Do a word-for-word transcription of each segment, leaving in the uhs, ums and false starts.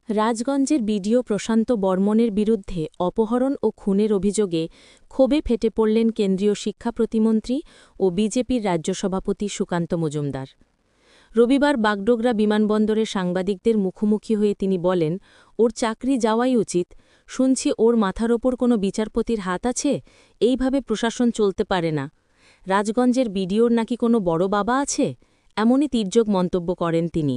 রাজগঞ্জের BDO প্রশান্ত বর্মণের বিরুদ্ধে অপহরণ ও খুনের অভিযোগে ক্ষোভে ফেটে পড়লেন কেন্দ্রীয় শিক্ষা প্রতিমন্ত্রী ও বিজেপির রাজ্য সভাপতি সুকান্ত মজুমদার। রবিবার বাগডোগরা বিমানবন্দরে সাংবাদিকদের মুখোমুখি হয়ে তিনি বলেন, ওর চাকরি যাওয়াই উচিত। শুনছি ওর মাথার ওপর কোনো বিচারপতির হাত আছে। এইভাবে প্রশাসন চলতে পারে না। রাজগঞ্জের বিডিওর নাকি কোনো বড় বাবা আছে, এমনই তির্যক মন্তব্য করেন তিনি।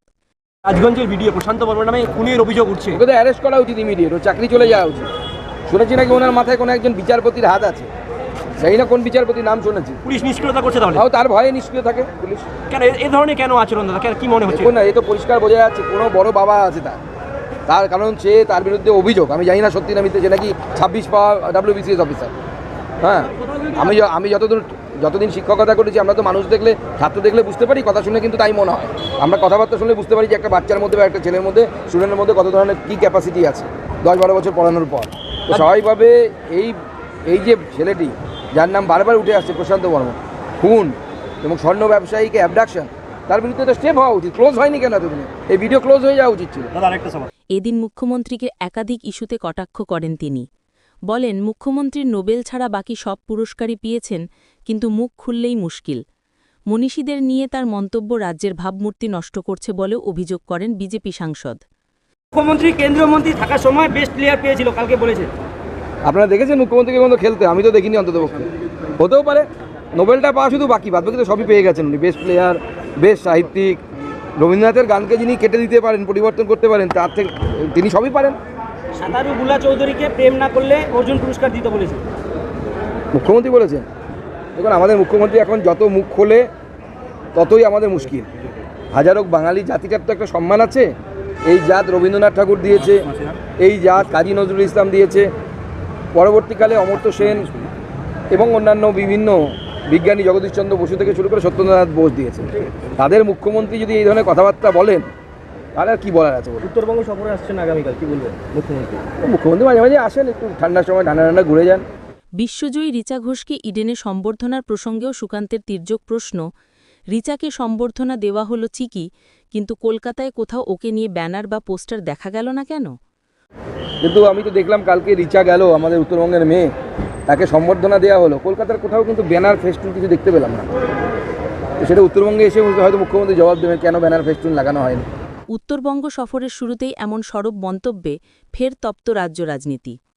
রাজগঞ্জের ভিডিও প্রশান্ত বর্মা নামে খুনের অভিযোগ উঠছে। ওকে তো অ্যারেস্ট করা উচিত, ইমিডিয়েট ও চাকরি চলে যাওয়া উচিত। শুনেছি নাকি ওনার মাথায় কোনো একজন বিচারপতির হাত আছে, সেই না কোন বিচারপতির নাম শুনেছি। পুলিশ নিষ্ক্রিয়তা করছে তাহলে? তাও তার ভয়ে নিষ্ক্রিয় থাকে পুলিশ। কেন এই ধরনের কেন আচরণ দাদা, কেন কি মনে হচ্ছে? না, এ তো পরিষ্কার বোঝা যাচ্ছে কোনো বড় বাবা আছে তার তার কারণ সে তার বিরুদ্ধে অভিযোগ, আমি জানি না সত্যি না মিথ্যে, যে নাকি ছাব্বিশ পাওয়া ডাব্লিউবিসিএস অফিসার। হ্যাঁ, আমি আমি যতদূর যতদিন শিক্ষকতা করেছি, আমরা তো মানুষ দেখলে ছাত্র দেখলে বুঝতে পারি, কথা শুনে কিন্তু তাই মনে হয়। আমরা কথাবার্তা শুনলে বুঝতে পারি যে একটা বাচ্চার মধ্যে বা একটা ছেলের মধ্যে, স্টুডেন্টের মধ্যে কত ধরনের কী ক্যাপাসিটি আছে দশ বারো বছর পড়ানোর পর। তো স্বাভাবিকভাবে এই এই যে ছেলেটি, যার নাম বারবার উঠে আসছে প্রশান্ত বর্মা, খুন এবং স্বর্ণ ব্যবসায়ীকে অ্যাবডাকশন, তার বিরুদ্ধে তো স্টেপ হওয়া উচিত। ক্লোজ হয়নি কেন এতদিনে? এই ভিডিও ক্লোজ হয়ে যাওয়া উচিত ছিল। এদিন মুখ্যমন্ত্রীকে একাধিক ইস্যুতে কটাক্ষ করেন তিনি। বলেন, মুখ্যমন্ত্রীর নোবেল ছাড়া বাকি সব পুরস্কারই পেয়েছেন, কিন্তু মুখ খুললেই মুশকিল। মনীষীদের নিয়ে তার মন্তব্য রাজ্যের ভাবমূর্তি নষ্ট করছে বলেও অভিযোগ করেন বিজেপি সাংসদ। মুখ্যমন্ত্রী কেন্দ্রীয় মন্ত্রী থাকার সময় বেস্ট প্লেয়ার পেয়েছিল, কালকে বলেছে। আপনারা দেখেছেন মুখ্যমন্ত্রীকে কোনো খেলতে? আমি তো দেখিনি অন্ততপক্ষে। হতেও পারে, নোবেলটা পাওয়া শুধু বাকি, বাদ বাকি তো সবই পেয়ে গেছেন উনি। বেস্ট প্লেয়ার, বেস্ট সাহিত্যিক, রবীন্দ্রনাথের গানকে যিনি কেটে দিতে পারেন, পরিবর্তন করতে পারেন, তার থেকে তিনি সবই পারেন। সাঁতারু বুলা চৌধুরীকে প্রেম না করলে অর্জুন পুরস্কার দিতে বলেছে মুখ্যমন্ত্রী বলেছেন। দেখুন, আমাদের মুখ্যমন্ত্রী এখন যত মুখ খোলে ততই আমাদের মুশকিল। হাজারো বাঙালি জাতিটার তো একটা সম্মান আছে। এই জাত রবীন্দ্রনাথ ঠাকুর দিয়েছে, এই জাত কাজী নজরুল ইসলাম দিয়েছে, পরবর্তীকালে অমর্ত্য সেন এবং অন্যান্য বিভিন্ন বিজ্ঞানী জগদীশচন্দ্র বসু থেকে শুরু করে সত্যেন্দ্রনাথ বোস দিয়েছে। তাদের মুখ্যমন্ত্রী যদি এই ধরনের কথাবার্তা বলেন, তাহলে আর কী বলার আছে? উত্তরবঙ্গ সফরে আসছেন আগামীকাল, কি বলবেন মুখ্যমন্ত্রী? মুখ্যমন্ত্রী মাঝে মাঝে আসেন, একটু ঠান্ডার সময় ঠান্ডা ঠান্ডা ঘুরে যান। বিশ্বজয়ী রিচা ঘোষকে ইডেনে সম্বর্ধনার প্রসঙ্গেও সুকান্তের তির্যক প্রশ্ন। রিচাকে সম্বর্ধনা দেওয়া হলো ঠিকই, কিন্তু কলকাতায় কোথাও ওকে নিয়ে ব্যানার বা পোস্টার দেখা গেল না কেন? কিন্তু আমি তো দেখলাম কালকে রিচা গেল, আমাদের উত্তরবঙ্গের মেয়ে, তাকে সম্বর্ধনা দেওয়া হলো। কলকাতার কোথাও কিন্তু ব্যানার ফেস্টুন কিছু দেখতে পেলাম না। তো সেটা উত্তরবঙ্গে এসে হয়তো মুখ্যমন্ত্রী জবাব দেবেন কেন ব্যানার ফেস্টুন লাগানো হয়নি। উত্তরবঙ্গ সফরের শুরুতেই এমন সরব মন্তব্যে ফের তপ্ত রাজ্য রাজনীতি।